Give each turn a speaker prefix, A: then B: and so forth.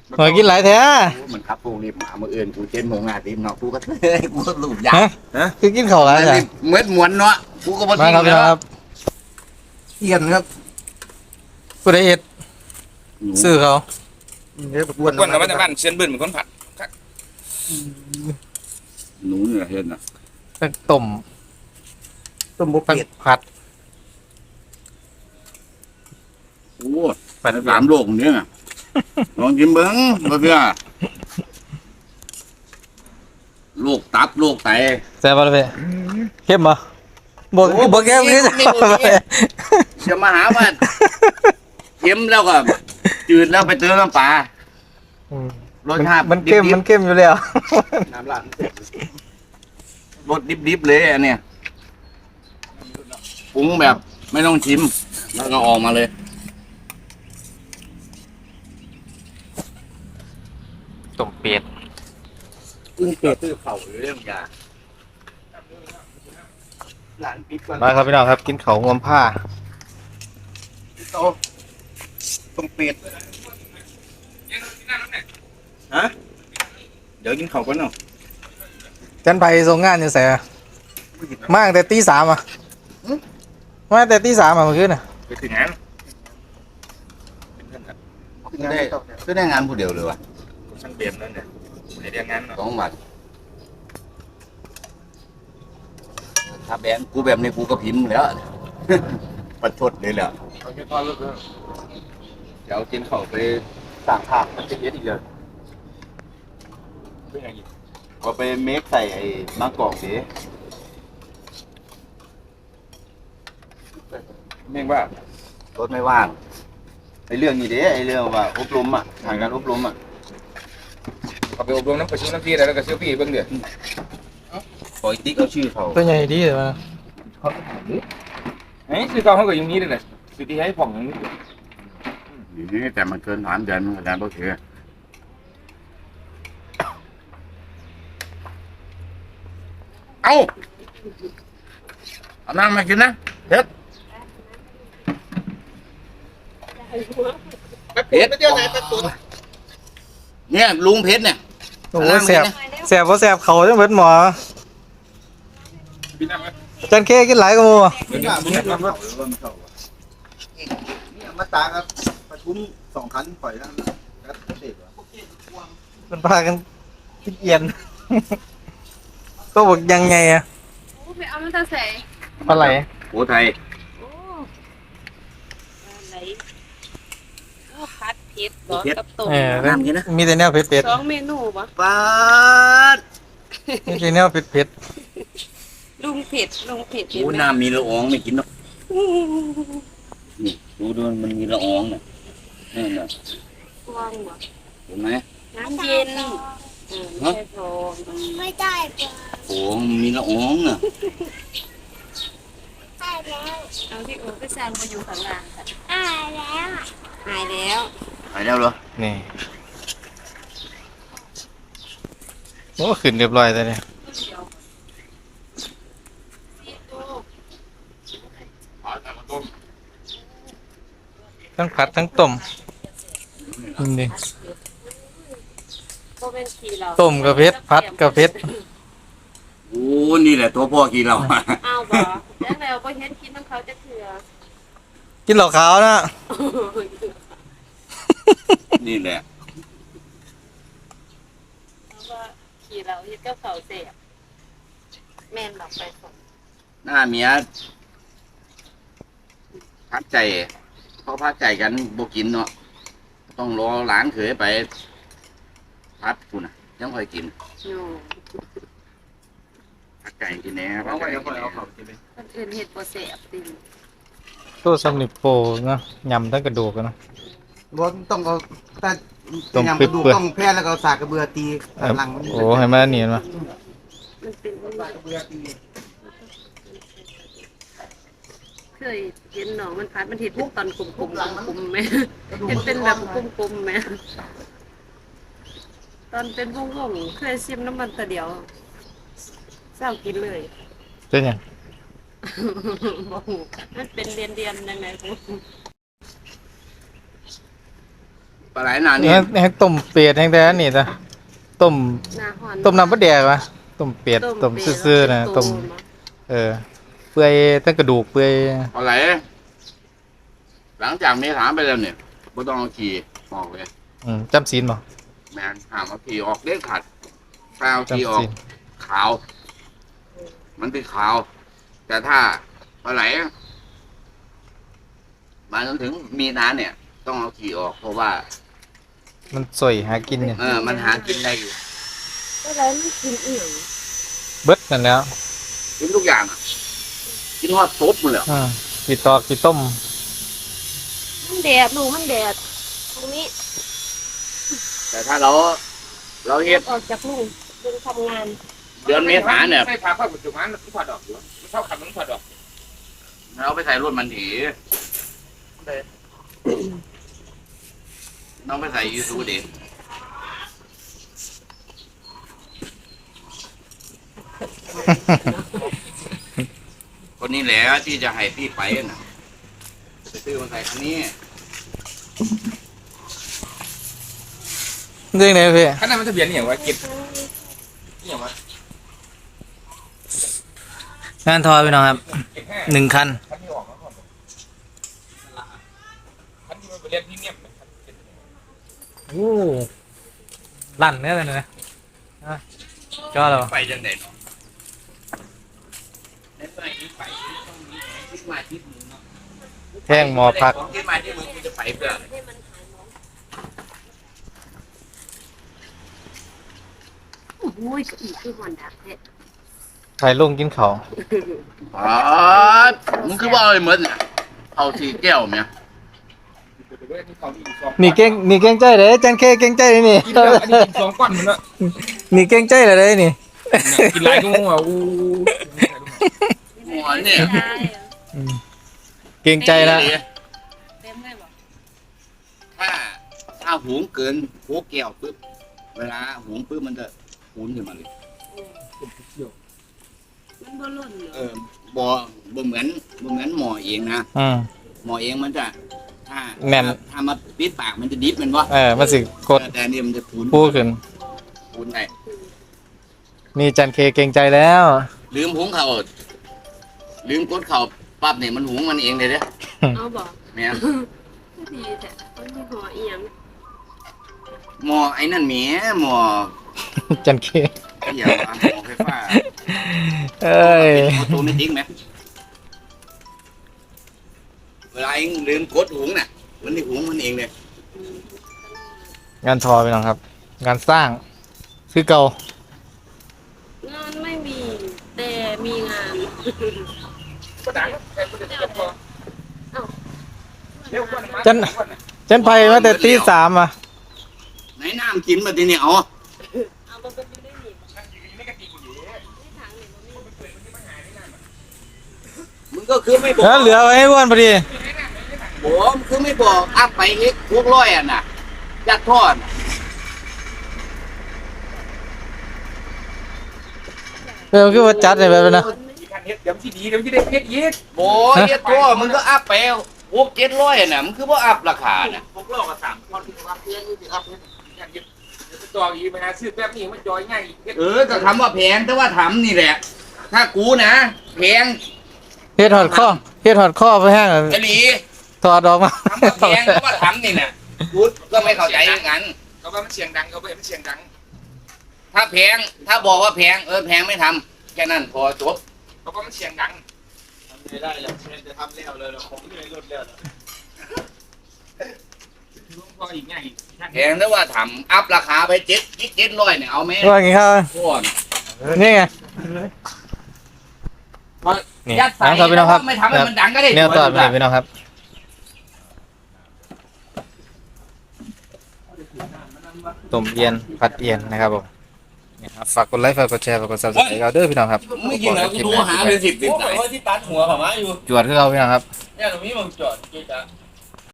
A: หอยกินหลายแท้
B: มันขับปูรีบมาเมื่ออื่นกูเจนโมงงานทีมเนาะกูก็เลยกูก็ลูบยา
A: คือกินข้าวหลายแท้
B: เหมือนมวนเนาะกูก็บ่
A: มาครับ
B: ทิ้งแล้ว
A: ครับ
B: เทียนครับ
A: กูได้เอ็ดซื้อเขา
B: เดี๋ยวกวน
C: คนกับบ้านเชียนบึ้นเหมือนคนผัด
B: หนูเนี่ยเห็นน่ะ
A: ตั้งต้มบุกผัด
B: โอ้3 โลกเนี่ยลองกินเบิ้งบ่เพื่อโรคตับโรคไต
A: แซ่บป่ะเพ่เข้มป่ะบอกเข้มนี่
B: จะมาหาว่าเค็มแล้วก็จืดแล้วไปเติมน้ำปลารสชาติ
A: มันเข้มอยู่แล้ว
B: น้ำราดรสดิบๆเลยอันเนี้ยปรุงแบบไม่ต้องชิมแล้วก็ออกมาเลย
A: ต้มเป็ด
B: ซื้อเข่าเรื่องยาหลานปิดก่อน
A: มาครับพี่น้องครับกินเขางวมผ้า
B: โตต้มเป็ดฮะเดี๋ยวกินข้าวก่อนเนาะ
A: จันไปส่งงานอยู่แสมาตั้งแต่ตี 3อ่ะมาตั้งแต่ตี 3อ่ะเมื่อคืนน่ะ
C: ไปถึงงาน
B: คือได้งานผู้เดียวเลยวะ
C: ช่างเปลี่ยนนั่นเนี่ยในเรียงงานเนาะ
B: 2 บาทถ้าแบนกูแบบนี้กูก็พิมพ์แล้วประชดเลยแหละ
C: เอาแค่ทอดลูกเดี๋ยวกินข้าวไปสั่งภาพมันจะเย็ดอีกเลยเป็นยังไง
B: ก็ไปเมคใส่ไอ้มะกอกสิ
C: เม่งว่าร
B: ถไม่ว่างไอ้เรื่องนี้เด้ไอ้เรื่องว่าอบรมอ่ะทางการอบรมอ่ะ
C: เอาไปอบรมน้ำประชุมน้ำที่แล้วก็เชื่อพี่เบิ่งเดี๋ยว
B: ปล่อยติ๊กเอาชื่อเขา
A: ตัวใหญ่ดีเลยมั้ย
C: เฮ้ยซื้อเขาก็อย่างนี้เลยนะซื้อที่ให้ผ่องอย่างนี้
B: นี่แต่มันเกิน3 เดือนมันก็ได้โอเคเอาน้ำมากินนะเผ็ดเผ็ดเจ้าไหนตะตุนเนี่ยลุงเพชรเนี่ย
A: โอ้แสบเพราะแสบเขาจังเบิดหมอจันเคกินหลายกว่าหมู่
B: มาตาครับประชุม2 ครั้งปล่อยแล้ว
A: มันพากันกินเอียนก็บอกยังไงอะ
D: ไปเอาน้ำตาใส่
A: ปลาไหล
B: โอ้ไทย
D: โอ้ไหลพัดเผ็ดร้อนกับต้ม
A: มีแต่แนวเผ็ด
D: 2 เมนูปะ
B: ปาด
A: มีแต่แนวเผ็ด
D: ลุงเผ็ด
B: โอ้น้ำมีละอองไม่กินหรอกนี่ดูมันมีละอองเนี่ยนี่นะ
D: ว่างวะ
B: เห็นไหม
D: น้ำเย็นไม่พอไม่ได้
B: โอ้มีละอองน่ะ
D: หายแล้วเอาที่โอ้ไปสร้างมาอยู่ข้างล่างหายแล้ว
B: เหรอ
A: นี่โอ้ขึ้นเรียบร้อยแล้วเนี่ยทั้งผัดทั้งต้มนี่ต้มกับเผ็ดผัดกับเผ็ด
B: โอ้นี่แหละตัวพ่อกินเรา
D: อ้าวบ่แล้วเราก็เห็นกินน้ำเขาจะเถื่อ
A: กินเหล้าขาวนะ
B: นี่แหละ
D: ว่าขี่เราเห็นก็เขาเสียแม่นหลับไปส่ง
B: หน้าเมียพักใจเขาพักใจกันบ่กินเนาะต้องรอหลานเขยไปพัดคุณนะยังค่อยกินพักใจกินแน่พักใจกินแน่
D: คนอื่นเห็ดโปรเซสติ
A: ตัวสำนิโปนะยำตั้งกระดูกนะ
B: บ่ต้องเอาแต่ยำกระดูกต้องแพ้แล้วก็สากกระเบือตีหลัง
A: โอ้ให้มาเนียนมา
D: มันเป็นสากกระเบือตีเคยเห็นหนองมันพัดมันเห็ดพวกตอนกลมๆไหมเห็นเป็นแบบกลมๆไหมตอนเป็นวงเคยชิมน้ำมันแต่เดียวเศร้ากินเลย
A: เป็นยัง
D: มันเป็นเรียนยังไงกู
B: ปปลาไหลหนานี่
A: แห้งต้มเป็ดแห้งแต่อันนี่จ้ะต้ม
D: หน้าหอน
A: ต้มน้ำปลาแดกวะต้มเป็ดต้มซื่อๆนะต้มเปื่อยตั้งกระดูกเปื่อย
B: ปลาไหลหลังจากเมษาไปแล้วเนี่ยไม่ต้องเอาขี่ออกเลย
A: จำศีลบ่
B: แมนห้ามเอาขี่ออกเด็ดขาดแปลเอาขี่อ
A: จำ
B: อก
A: ศีล
B: ขาว มันเป็นขาว แต่ถ้าปลาไหลมาจนถึงมีนาเนี่ย ต้องเอาขี่ออก เพราะว่า
A: มันสวยหากินเนี่ย
B: มันหากินได้อยู่
D: อะไรมันกินเอี่ยง
A: เบิดนั่นแล้ว
B: กินทุกอย่างอะกินทอดซุปมันเลย
A: กี่ตอกกี่ต้ม
D: มันแดดลูกมันแดดตรงนี้
B: แต่ถ้าเราเฮ็ด
D: ออกจากลูกดึงทำงาน
B: เดือนเมษาเนี่ย
C: ใส่ผ้าผ้าปัจจุบันมันถอดออกอยู่มันชอบขับมันถอดออก
B: เราไปใส่รถมันถีน้องไปใส่ยูทูบเด็กคนนี้แหละที่จะให้พี่ไปน่ะไปซื้อมาใส่คันนี้
A: เรื่องไหนพี่
C: ขนาดมันทะเบียนนี่อย่างว่าเก็บนี่อย่างว่าง
A: านทอพี่น้องครับ
C: เก็บแค่
A: 1 คัน
C: คันที่ออกแล้วก่อนคันที่มันไปเรียนพรีเมียม
A: โอ้ลั่นเนี่ยเลยนะก็แล้ว
B: ไปจังได๋เนาะในเมื่อนี้ไปต้องมีแผนคิดมาคิดมึงเนาะ
A: แท่งหมอพัก
B: ของคิดมาที่มึงกูจะไปเพื่อ
D: ให้มันหายร้อนโอ้โหอีกคือหอนดักแท้
A: ไข่ลุงกินเขาว
B: อ๋อมึงคือว่าอะไรเหมือนเนี่ยเอาสีแก้วเนี่ย
A: นี่เก่งใจเลยจันเคเก่งใจเลยนี่
C: กินแล้วอันนี้กินสองก้อนมันละ
A: นี่เก่งใจเลยนี่
C: กินไรก็งงอ่ะอู้
B: หมอเนี่ย
A: เก่งใจแล้ว
D: เต็มเลยบอก
B: ถ้าหุงเกินหัวแก้วปุ๊บเวลาหุงปุ๊บมันจะหุนขึ้นมาเลย
D: มันบ่ล่นเหรอ
B: บ่เหมือนหมอเองนะ หมอเองมันจะถ้า
A: แม่น
B: ถ้ามาปิดปากมันจะดิบมันวะ
A: มันสิกด
B: แต่อันนี่มันจะหุน
A: ปูขึ้น
B: หุนได้
A: นี่จันเคเก่งใจแล้ว
B: ลืมหุงเขาวลืมกดเขาวปั๊บเนี่ยมันหุงมันเองเลยเด้อ
D: เอาบอก
B: แม่น
D: ก็ดีแต่มันมีหัวเอียง
B: หมอไอ้นั่นแหมหมอ
A: จันเค
B: ไอ้อย่างว่าหมอไฟฟ้า
A: เอ้ย
B: ออโตเมติกไหมเวลาเองลืมกดหุงน่ะมันได้หุงมันเองเลย
A: งานทอพี่น้องครับ งานสร้างคือเก่าง
D: านไม่มี แต่มีงาน
C: ก็ดังแค่คนเดียวพอเร็วกว่า
A: จันไปมาแต่ตี 3อ่ะ
B: ไหนน้ำกินมาทีนี้เอา
D: เอามาเป็นอยู่ได้หนิ
C: ไม่กระติกอยู่
D: ไม่ทางนี่บ่มี
B: มึงก็คือไม่บอก
A: แล้วเหลือไว้ให้อ้วนพอดี
B: ผมคือไม่บอกอัพไปเอ็กพวกร้อยอ่ะน่ะยัดทอดน่ะ
A: คือว่าจัดเลยแบบนั้นนะ
C: การเฮ็ดเดี๋ยวที่ดีเดี๋ยวที่ได้เฮ็ดเย็ด
B: โอ้ยยัดทอดมึงก็อัพไปพวก700น่ะมึงคือว่าอัพราคาน่ะ
C: พวกโลกอ่ะ3คนที่ว่าเพื่อนที่อัพเนี่ยการเฮ็ดเดี๋ยวจอยอีมาซื้อแบบนี้มันจอยง่ายเฮ็ด
B: ก็คำว่าแพงแต่ว่าทำนี่แหละ ถ้ากูนะแพง
A: เฮ็ดหอดข้อไปแห้งอะ
B: จะดี
A: ถอดออกมา
B: คำว่าแพงแต่ว่าทำนี่น่ะกูก็ไม่เข้าใจอย่างนั้น
C: เขาว่ามันเสียงดังเขาว่ามันเสียงดัง
B: ถ้าแพงถ้าบอกว่าแพงแพงไม่ทำแค่นั้นพอจบ
C: เขาว่ามันเสียงดัง
E: ไม่ได้แล้วจะทำแล้วเลยผมไม่ได้ลดแล้ว
C: พออีกง่าย
B: แพงแต่ว่าทำอัพราคาไป700เนี่ยเอาไหม
A: ว่าไงครับ
B: พวก
A: นี่ไงนี่
B: ยัดใส่
A: นะครับพี่น้องครับ
B: ไม่ทำให้มันดังก็ได้
A: แนวตอดไปพี่น้องครับต้มเอียนผัดเอียนนะครับผมนี่ครับฝากกดไลค์ฝากกดแชร์ฝากกด subscribe เราเด้อพี่น้องครับ
B: ไม่กินเหรอกูดูหาเป็น10
E: โอ้
B: สาย
E: ยที่ตัดหัวผมมาอยู่
A: จวดคือเราพี่น้องครับ
E: เนี่ยตรงนี้มันจอดจุดอ่ะ